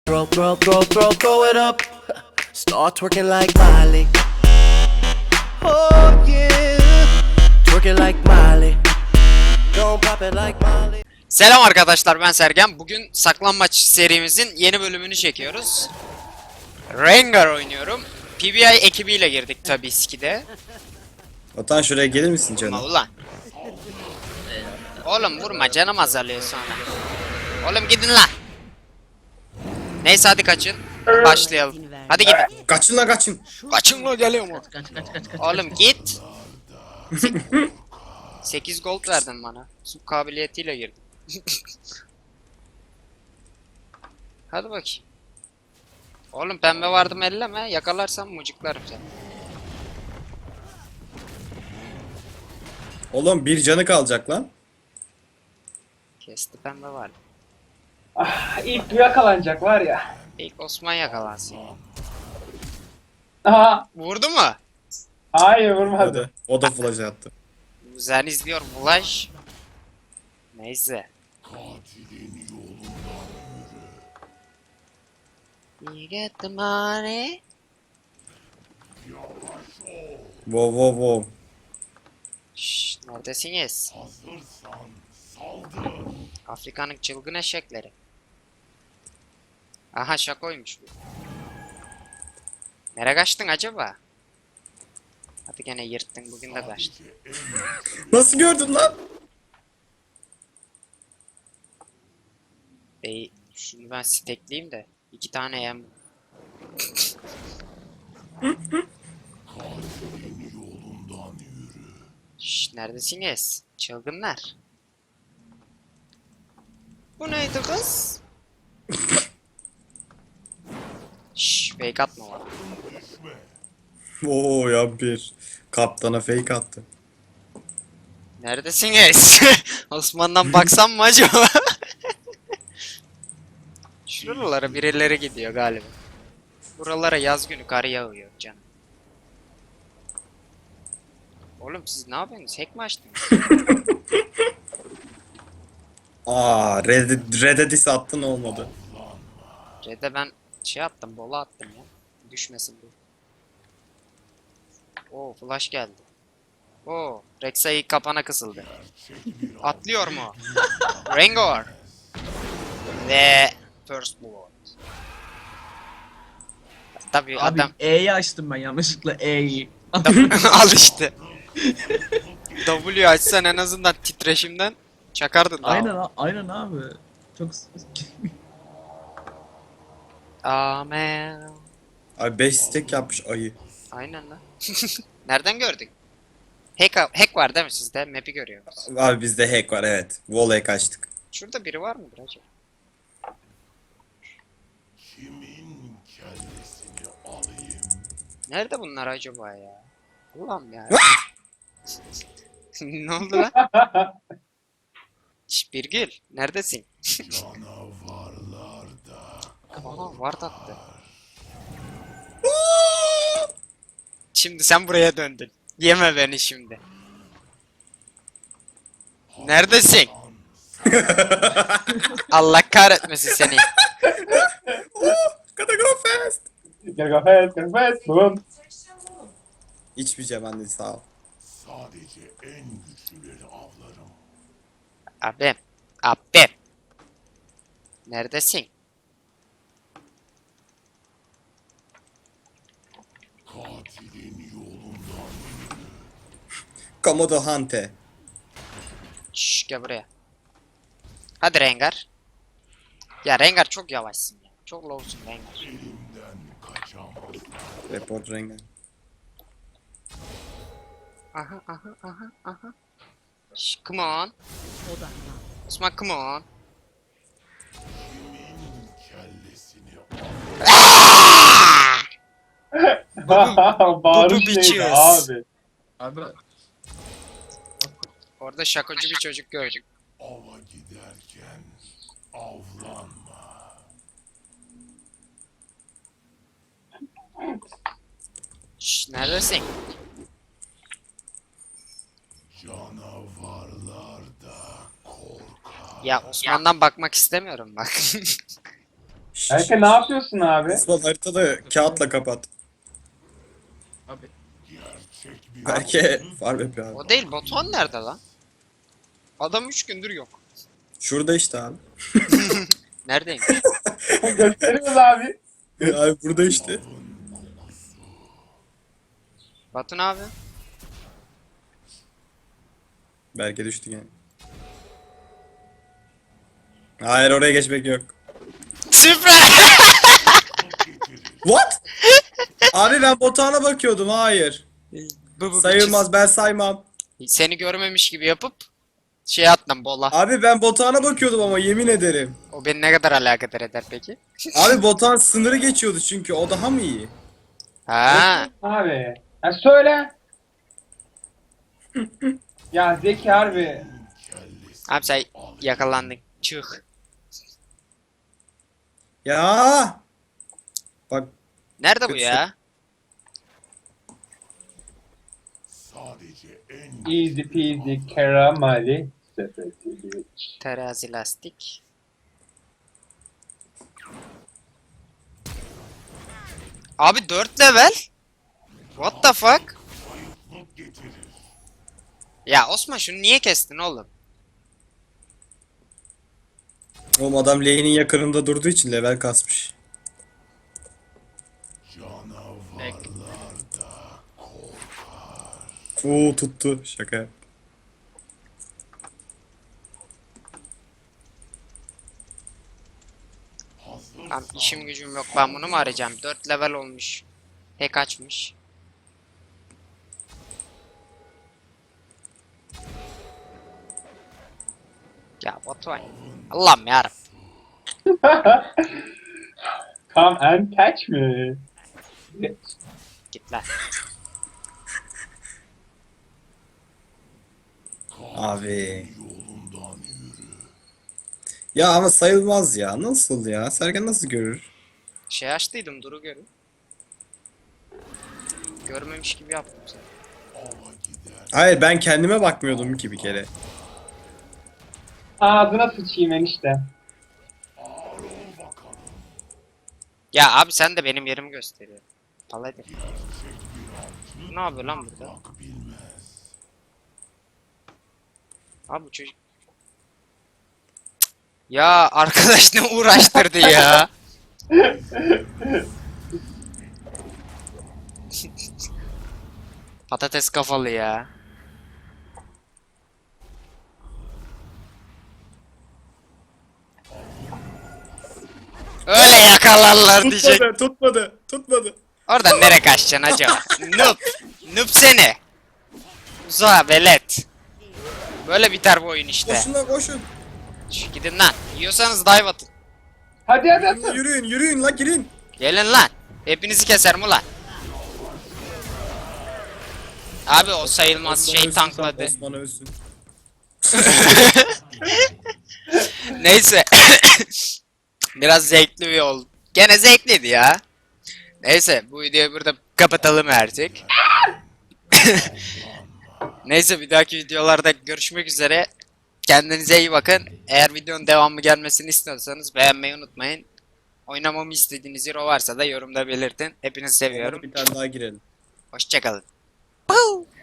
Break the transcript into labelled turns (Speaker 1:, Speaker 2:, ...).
Speaker 1: Throw it up. Start twerking like Miley. Oh yeah. Twerking like Miley. Don't pop it like Miley.
Speaker 2: Selam arkadaşlar, ben Sergen. Bugün saklanmaç serimizin yeni bölümünü çekiyoruz. Rengar oynuyorum. PBI ekibiyle girdik tabii skide.
Speaker 3: Otan şuraya gelir misin
Speaker 2: Vurma
Speaker 3: canım?
Speaker 2: ulan. Oğlum vurma, canım azalıyor sonra. Oğlum gidin lan. Neyse hadi kaçın. Başlayalım. Hadi gidin.
Speaker 3: Kaçın lan kaçın.
Speaker 2: Kaçın lan, geliyor mu?
Speaker 4: Kaç.
Speaker 2: Oğlum git. 8 gold verdin bana. Su kabiliyetiyle girdim. Hadi bakayım. Oğlum pembe vardım elleme. Yakalarsam mucuklarım seni.
Speaker 3: Oğlum bir canı kalacak lan.
Speaker 2: Kesti, pembe vardı.
Speaker 4: İlk yakalanacak var ya.
Speaker 2: İlk Osman yakalansın ya.
Speaker 4: Aha.
Speaker 2: Vurdu mu?
Speaker 4: Hayır vurmadı.
Speaker 3: Hadi. O da flash attı.
Speaker 2: Güzel izliyor Flash. Neyse. You get the money.
Speaker 3: Wow wow wow.
Speaker 2: Şşş, neredesiniz? Afrika'nın çılgın eşekleri. Aha şakoymuş bu. Nereye kaçtın acaba? Hadi gene yırttın, bugün de kaçtın.
Speaker 3: Nasıl gördün lan?
Speaker 2: Bey, şunu ben stekleyeyim de 2 tane yem. Şşş, neredesiniz? Çılgınlar. Bu neydi kız? Şşş, fake atma bana.
Speaker 3: Oo ya bir. Kaptana fake attı.
Speaker 2: Neredesiniz? Osman'dan baksam mı acaba? Şuralara birileri gidiyor galiba. Buralara yaz günü kar yağıyor canım. Oğlum siz ne yapıyorsunuz? Hack mi açtınız?
Speaker 3: Aa Red'e diss attın olmadı.
Speaker 2: Red'e ben şey attım, bola attım ya. Düşmesin bu. Oo, flash geldi. Oo, Rek'Sai kapana kısıldı. Atlıyor mu? Rengar. Ve First Blood. Tabii
Speaker 5: Abi
Speaker 2: adam
Speaker 5: E'yi açtım ben yanlışlıkla E'yi.
Speaker 2: al işte. W açsan en azından titreşimden çakardın daha.
Speaker 5: aynen abi. Çok
Speaker 2: Amen.
Speaker 3: Abi 5 stack yapmış ayı.
Speaker 2: Aynen lan. Nereden gördük? Hack var değil mi sizde? Map'i görüyoruz.
Speaker 3: Abi bizde hack var evet. Wall'e kaçtık.
Speaker 2: Şurada biri var mıdır acaba? Nerede bunlar acaba ya? Ulan ya. Ne oldu lan? Şş, Birgül, neredesin? Aha, var attı. Şimdi sen buraya döndün. Yeme beni şimdi. Neredesin? Allah kahretmesin seni.
Speaker 3: Gotta go fast.
Speaker 4: Gel gafet, gafet. Boom.
Speaker 3: İçmeyeceğim anne sağ ol.
Speaker 2: Abi. Abi. Neredesin?
Speaker 3: Komodo Hante.
Speaker 2: Şşş, gel buraya. Hadi Rengar. Ya Rengar çok yavaşsın ya. Çok lowsun Rengar.
Speaker 3: Report Rengar.
Speaker 2: Aha. Şşş, come on. Osman, come on.
Speaker 4: Bağırış
Speaker 2: bitches.
Speaker 4: neydi abi?
Speaker 5: abi
Speaker 2: Orada şakocu bir çocuk gördük.
Speaker 6: Ava giderken avlanma.
Speaker 2: Şşş, neredesin?
Speaker 6: Canavarlar da korkar.
Speaker 2: Ya Osman'dan bakmak istemiyorum bak.
Speaker 3: Şşş
Speaker 4: Berke ne yapıyorsun abi?
Speaker 3: Osman haritada kağıtla kapat.
Speaker 5: Abi.
Speaker 3: Belki farm yapıyor abi.
Speaker 2: O değil, Batuhan nerede lan? Adam 3 gündür yok.
Speaker 3: Şurada işte abi.
Speaker 2: Neredeymiş?
Speaker 4: Gösteriyoruz abi.
Speaker 3: Abi burada işte.
Speaker 2: Batu ne abi?
Speaker 3: Belki düştü yani. Hayır oraya geçmek yok.
Speaker 2: Süper!
Speaker 3: What? Abi ben Batuhan'a bakıyordum. Hayır. Sayılmaz, ben saymam.
Speaker 2: Seni görmemiş gibi yapıp şey atlam bola.
Speaker 3: Abi ben Batuhan'a bakıyordum ama yemin ederim.
Speaker 2: O beni ne kadar alakadar eder peki?
Speaker 3: Abi Batuhan sınırı geçiyordu çünkü o daha mı iyi?
Speaker 2: Ha,
Speaker 4: Abi. Ya söyle. Ya Zeki harbi.
Speaker 2: abi sen yakalandın. Çık.
Speaker 3: Ya. Bak
Speaker 2: Nerede bu
Speaker 3: Kötü.
Speaker 2: ya?
Speaker 6: sadece en
Speaker 4: Easy peasy carameli. Sepeti.
Speaker 2: Terazi lastik. Abi 4 level? What the fuck?
Speaker 6: getirir.
Speaker 2: Ya Osman şunu niye kestin oğlum?
Speaker 3: oğlum adam lane'in yakınında durduğu için level kasmış. Oo tuttu. Şaka.
Speaker 2: Lan işim gücüm yok, ben bunu mu arayacağım? 4 level olmuş. Hack açmış. Ya Batuhan. Allah'ım yarabbim.
Speaker 4: Come and catch me.
Speaker 2: Git lan.
Speaker 3: Abi. Ya ama sayılmaz ya. Nasıl ya? Sergen nasıl görür?
Speaker 2: Şey açtıydım, duru görün. Görmemiş gibi yaptım seni.
Speaker 3: Hayır ben kendime bakmıyordum ki bir kere.
Speaker 4: Ağzına sıçayım enişte.
Speaker 2: Ya abi sen de benim yerimi gösteriyor. Paladin. Ne yapıyor lan burada? Abi bu çocuk... Cık. Ya arkadaş ne uğraştırdı ya. Patates kafalı ya. Öyle yakalarlar diyecek.
Speaker 3: Tutmadı, tutmadı, tutmadı.
Speaker 2: Oradan nereye kaçacaksın acaba? Noob. Noob seni. Uza velet. Böyle biter bu oyun işte.
Speaker 3: Koşun lan koşun.
Speaker 2: Gidin lan. Yiyorsanız dive atın.
Speaker 4: Hadi atın.
Speaker 3: Yürüyün, yürüyün la girin.
Speaker 2: Gelin lan. Hepinizi keserim ulan. Abi o sayılmaz
Speaker 3: Osman
Speaker 2: şey
Speaker 3: ölsün,
Speaker 2: tankladı.
Speaker 3: Osman ölsün.
Speaker 2: Neyse. Biraz zevkli bir oldu. Gene zevkliydi ya. Neyse bu videoyu burada kapatalım artık. Neyse bir dahaki videolarda görüşmek üzere. Kendinize iyi bakın. Eğer videonun devamı gelmesini istiyorsanız beğenmeyi unutmayın. Oynamamı istediğiniz hero varsa da yorumda belirtin. Hepinizi seviyorum.
Speaker 3: Bir tane daha girelim.
Speaker 2: Hoşçakalın.